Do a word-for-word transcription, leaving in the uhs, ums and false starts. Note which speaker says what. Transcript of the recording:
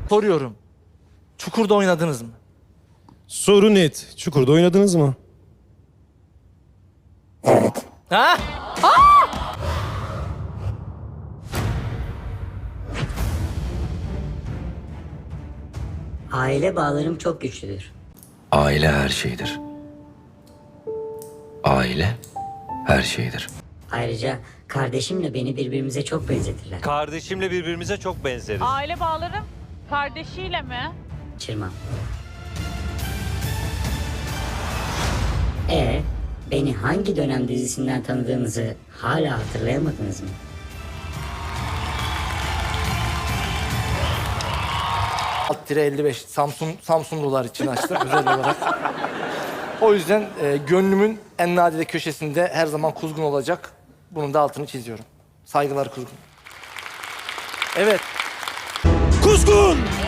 Speaker 1: Soruyorum. Çukur'da oynadınız mı?
Speaker 2: Soru net. Çukur'da oynadınız mı?
Speaker 1: Ha?
Speaker 3: Aile bağlarım çok güçlüdür.
Speaker 4: Aile her şeydir. Aile her şeydir.
Speaker 3: Ayrıca kardeşimle beni birbirimize çok benzetirler.
Speaker 5: Kardeşimle birbirimize çok benzeriz.
Speaker 6: Aile bağlarım kardeşiyle mi?
Speaker 3: Çırman. E beni hangi dönem dizisinden tanıdığınızı hala hatırlayamadınız mı?
Speaker 1: Alt tire elli beş Samsun Samsunlular için açtım özel olarak. O yüzden e, gönlümün en nadide köşesinde her zaman Kuzgun olacak. Bunun da altını çiziyorum. Saygılar Kuzgun. Evet.
Speaker 2: Kuzgun!